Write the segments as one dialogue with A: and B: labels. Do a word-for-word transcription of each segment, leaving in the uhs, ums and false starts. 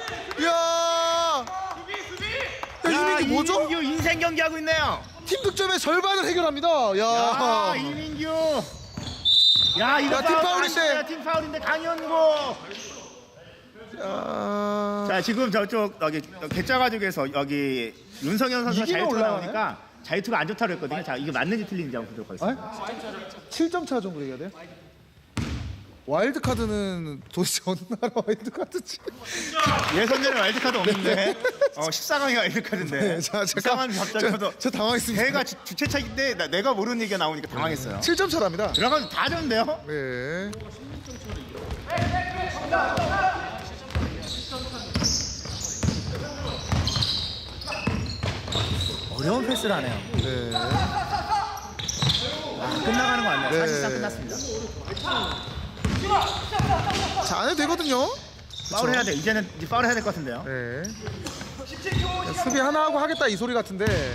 A: 야, 야 이민규 뭐죠?
B: 이민규 인생 경기 하고 있네요.
A: 팀 득점의 절반을 해결합니다. 야,
B: 야, 이민규. 야, 이거
A: 야, 팀 파울인데.
B: 팀 파울인데 강현구.
A: 야.
B: 자, 지금 저쪽 여기 개짜가족에서 여기 윤성현 선수가
A: 이기면
B: 자유투가
A: 올라가네?
B: 나오니까 자유투가 안 좋다고 했거든요. 자, 이게 맞는지 틀린지 한번 보도록 하겠습니다.
A: 아? 칠 점 차 정도 얘기해야 돼요? 와일드 카드는 도대체 어느 나라 와일드 카드지?
B: 예선전에 와일드카드 없는데 어, 십사 강이 와일드카드인데
A: 네, 자, 잠깐.
B: 이상한 갑자기
A: 저, 저 당황했습니다.
B: 걔가 주- 주최차인데 나- 내가 모르는 얘기가 나오니까 당황했어요.
A: 칠 점 차랍니다.
B: 들어가면 다 졌는데요?
A: 네.
B: 어려운 패스를 하네요.
A: 네.
B: 아, 끝나가는 거 같네요.
A: 네.
B: 사실상 끝났습니다.
A: 자, 안 해도 되거든요.
B: 파울 해야 돼. 이제는 이제 파울 해야 될 것 같은데요.
A: 네. 수비 하나 하고 하겠다 이 소리 같은데.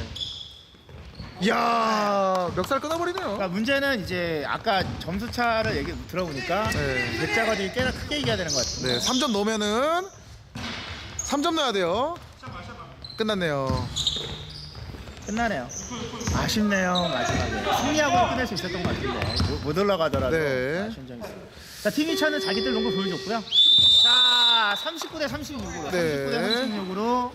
A: 이야, 멱살 끊어버리네요.
B: 그러니까 문제는 이제 아까 점수 차를 얘기 들어보니까
A: 네.
B: 백자가들이 꽤나 크게 이겨야 되는 것 같아요.
A: 네, 삼 점 넣으면은 삼 점 넣어야 돼요. 끝났네요.
B: 끝나네요. 아쉽네요. 마지막에 승리하고 끝낼 수 있었던 것 같은데 못, 못 올라가더라도
A: 네.
B: 아쉬운 점이 있어요. 자, 팀이천은 자기들 농구 보여줬고요. 자, 삼십구 대 삼십육으로
A: 네.
B: 삼십구 대 삼십육으로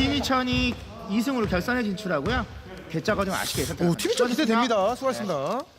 B: 팀이천이 이 승으로 결선에 진출하고요. 개짜가 좀 아쉽게 있었던
A: 오, 팀이 좀 기대됩니다. 수고하셨습니다.